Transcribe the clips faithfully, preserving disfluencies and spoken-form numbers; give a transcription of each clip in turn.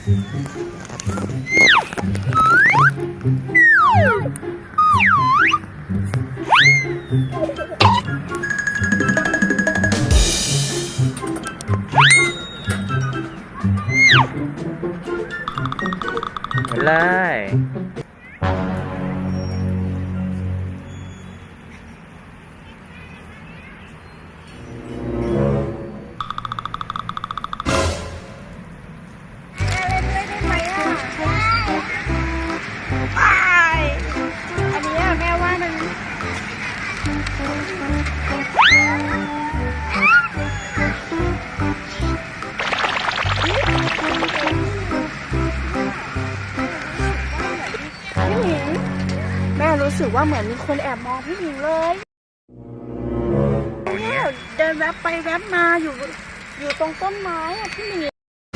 เลยอันนี้แม่ว่ามันพี่หมิงแม่รู้สึกว่าเหมือนมีคนแอบมองพี่หมิงเลยเนี่ยเดินแวบไปแวบมาอยู่อยู่ตรงต้นไม้อะพี่หมิง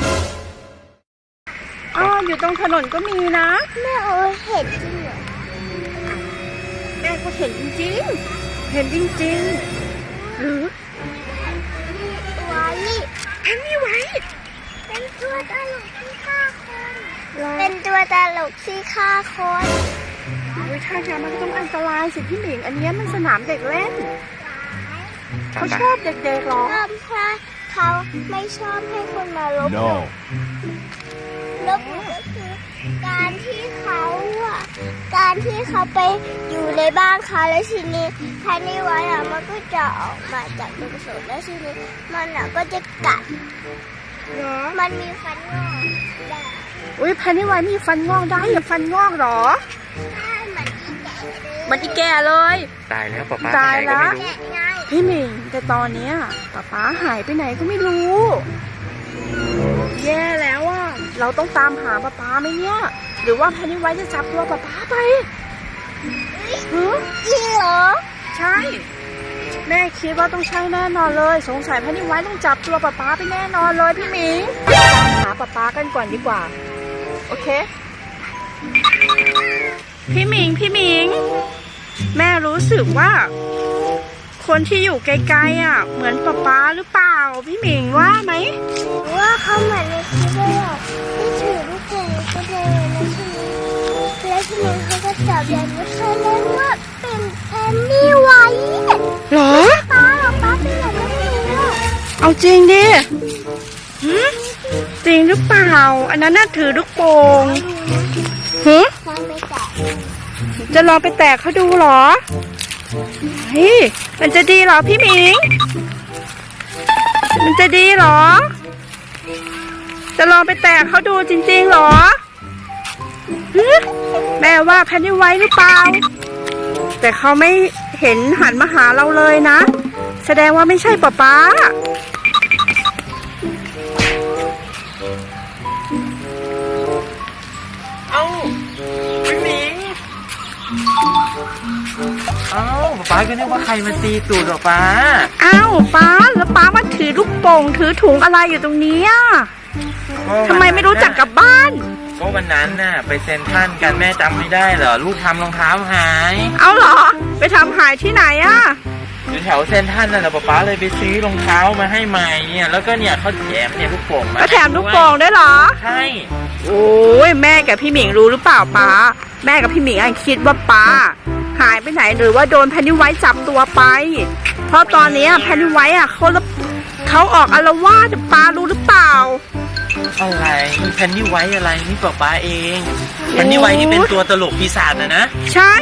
อ๋ออยู่ตรงถนนก็มีนะแม่เออเห็นจริงเหรอแม่ก็เห็นจริงๆเห็นจริงๆหรือไว้เห็นนี่ไว้เป็นตัวตลกที่ฆ่าคนเป็นตัวตลกที่ฆ่าคนวิชาการมันต้องอันตรายสิพี่หมิงอันนี้มันสนามเด็กเล่นเขาชอบเด็กๆหรอเพราะเขาไม่ชอบให้คนมาลบหลู่ลบหลู่ก็คือการที่เขาอ่ะการที่เขาไปอยู่ในบ้านเขาแล้วทีนี้ภายในวันอ่ะมันก็จะออกมาจากตรงส่วนแล้วทีนี้มันอ่ะก็จะกัดมันมีฟันงอกได้อุ้ยภายในวันมีฟันงอกได้เหรอฟันงอกหรอใช่มันอีแก่เลยมันอีแก่เลยตายแล้วป๊าป๊าตายแล้วไปไหนก็ไม่รู้พี่หมิงแต่ตอนเนี้ยป๊าป๊าหายไปไหนก็ไม่รู้แย่แล้วอ่ะเราต้องตามหาป๊าป๊าไหมเนี่ยหรือว่าแพนนี่ไว้จะจับตัวป๊าป๊าไปหือจริงเหรอใช่แม่คิดว่าต้องใช่แน่นอนเลยสงสัยแพนนี่ไว้ต้องจับตัวป๊าป๊าไปแน่นอนเลยพี่หมิงตามหาป๊าป๊ากันก่อนดีกว่าโอเคพี่หมิงพี่หมิงแม่รู้สึกว่าคนที่อยู่ไกลๆอ่ะเหมือนป๊าป๊าหรือเปล่าพี่หมิงว่าไหมว่าเขาเหมือนในคลิปเลยอ่ะที่ถือลูกโป่งก็เดินแล้วทีนี้แล้วทีนี้เขาก็จับยันว่าเขาเรียกว่าเป็นแพนนี่ไว้หรอป๊าหรอป๊าเป็นอะไรไม่รู้เอาจริงดิจริงหรือเปล่าอันนั้นน่าถือลูกโป่งหือจะลองไปแตะเขาดูหรอเฮ้ยมันจะดีเหรอพี่หมิงมันจะดีเหรอจะลองไปแตะเขาดูจริงๆหรอแม่ว่าแพนนี่ไว้หรือเปล่าแต่เขาไม่เห็นหันมาหาเราเลยนะแสดงว่าไม่ใช่ป๊าป๊าเอ้าพี่หมิงเอ้าป๊าก็นึกว่าใครมาตีตูดหรอป๊าอ้าวป๊าแล้วป๊ามาถือลูกโป่งถือถุงอะไรอยู่ตรงนี้อ่ะทำไมไม่รู้จักกลับบ้านก็วันนั้นน่ะไปเซ็นทรัลกันแม่จำไม่ได้เหรอลูกทำรองเท้าหายเอาเหรอไปทำหายที่ไหนอ่ะอยู่แถวเซ็นทรัลน่ะนะป๊าเลยไปซื้อรองเท้ามาให้ใหม่เนี่ยแล้วก็เนี่ยเขาแถมเนี่ยลูกโป่งมาก็แถมลูกโป่งได้เหรอใช่โอ้ยแม่กับพี่หมิงรู้หรือเปล่าป๊าแม่กับพี่หมิงคิดว่าป๊าหายไปไหนหรือว่าโดนแพนนี่ไว้จับตัวไปเพราะตอนนี้แพนนี่ไว้อ่ะเขาเขาออกอาละวาดป๊ารู้หรือเปล่าอะไรแพนนี่ไว้อะไรนี่ป๊าป๊าเองแพนนี่ไว้นี่เป็นตัวตลกปีศาจนะนะใช่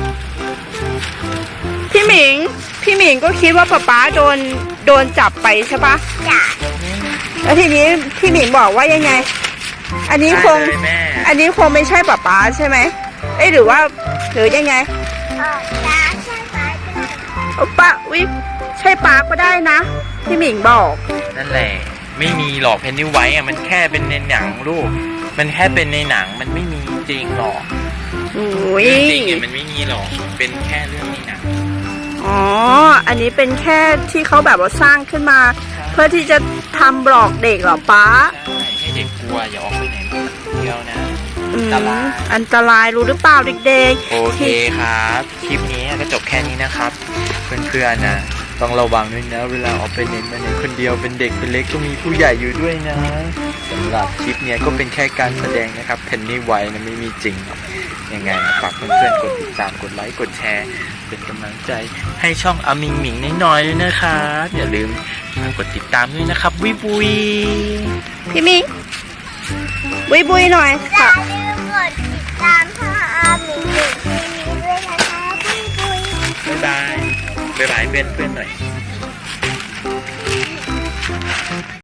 พี่หมิงพี่หมิงก็คิดว่าป๊าป๊าโดนโดนจับไปใช่ปะจ้ะแล้วทีนี้พี่หมิงบอกว่ายังไงอันนี้คงอันนี้คงไม่ใช่ป๊าป๊าใช่ไหมเอ้หรือว่าหรือยังไงเออจ้าใช่ป๊าก็ได้โอ้ป๊าวิใช่ป๊าก็ได้นะพี่หมิงบอกนั่นแหละไม่มีหรอกแพนนี่ไว้อะมันแค่เป็นในหนังลูกมันแค่เป็นในหนังมันไม่มีจริงหรอกโอ้ยจริงๆมันไม่มีหรอกเป็นแค่เรื่องในหนังอ๋ออันนี้เป็นแค่ที่เขาแบบว่าสร้างขึ้นมาเพื่อที่จะทำบล็อกเด็กเหรอป๊าใช่ให้เด็กกลัวอย่าออกไปไหนมาเที่ยวนะอันตรายอันตรายรู้หรือเปล่าเด็กๆโอเคครับคลิปนี้ก็จบแค่นี้นะครับเพื่อนๆนะต้องระวังด้วยนะเวลาออกไปไหนมาไหนคนเดียวเป็นเด็กเป็นเล็กก็มีผู้ใหญ่อยู่ด้วยนะสำหรับคลิปเนี้ยก็เป็นแค่การแสดงนะครับเพนนี่ไวท์นะไม่มีจริงยังไงฝากเพื่อนๆกดติดตามกดไลค์กดแชร์เป็นกำลังใจให้ช่องอามิงหมิงน้อยๆด้วยนะครับอย่าลืมกดติดตามด้วยนะครับวิบุยพี่มิงบุยบุยหน่อยอย่าค่ะลืมกดติดตามช่องอาหมิงหมิงทีวีด้วยนะคะบุยบุยบ๊ายบายบ๊ายบายเพื่อนๆหน่อย